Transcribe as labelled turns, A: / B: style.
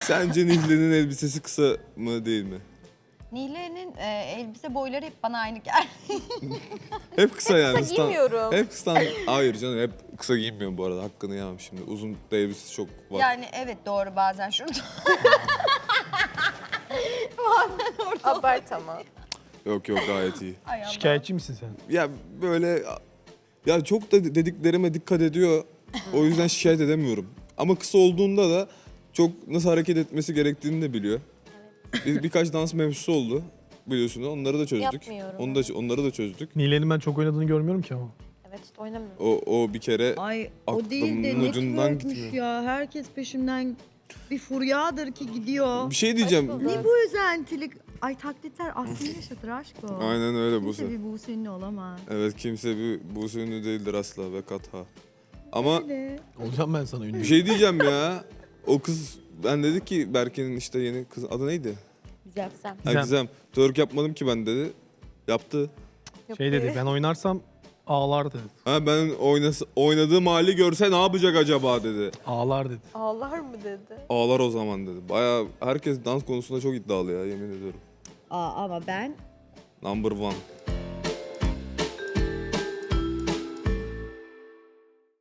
A: Sence Nihle'nin elbisesi kısa mı değil mi?
B: Nihle'nin elbise boyları hep bana aynı geldi.
A: Hep kısa yani.
C: Kısa giymiyorum.
A: Hep Hayır canım, hep kısa giyinmiyorum bu arada. Hakkını yemem şimdi. Uzun da elbisesi çok var.
B: Yani evet doğru bazen şurada.
C: Abart ama.
A: Yok gayet iyi.
B: Ay Allah.
D: Şikayetçi misin sen?
A: Ya böyle ya çok da dediklerime dikkat ediyor. O yüzden şikayet edemiyorum. Ama kısa olduğunda da çok nasıl hareket etmesi gerektiğini de biliyor. Birkaç dans mevzusu oldu biliyorsun. Onları da çözdük.
C: Yapmıyorum.
A: Onları da çözdük.
D: Nilay'ın ben çok oynadığını görmüyorum ki ama.
C: Evet işte oynamıyorum.
A: O bir kere
E: Ay o değil de
A: aklımın ucundan
E: networkmüş
A: gitmiyor.
E: ya. Herkes peşimden bir furyadır ki gidiyor.
A: Bir şey diyeceğim.
C: Aşk
E: Ne bu özentilik? Ay taklitler aslında yaşatır aşk o.
A: Aynen öyle
E: Kimse
A: Buse.
E: bir Buse ünlü olamaz.
A: Evet, kimse bir Buse ünlü değildir asla ve katha. Ama
E: Öyle.
D: Olacağım ben sana ünlü.
A: bir şey diyeceğim ya. O kız, ben dedi ki Berke'nin işte yeni kız adı neydi?
C: Güzel.
A: Ha,
D: Gizem.
A: Gizem. Twerk yapmadım ki ben dedi. Yaptı.
D: Şey dedi, ben oynarsam ağlar dedi.
A: Ha, ben oynadığım hali görse ne yapacak acaba dedi.
D: Ağlar dedi.
C: Ağlar mı dedi?
A: Ağlar o zaman dedi. Bayağı herkes dans konusunda çok iddialı ya, yemin ediyorum.
E: Aa, ama ben
A: Number one.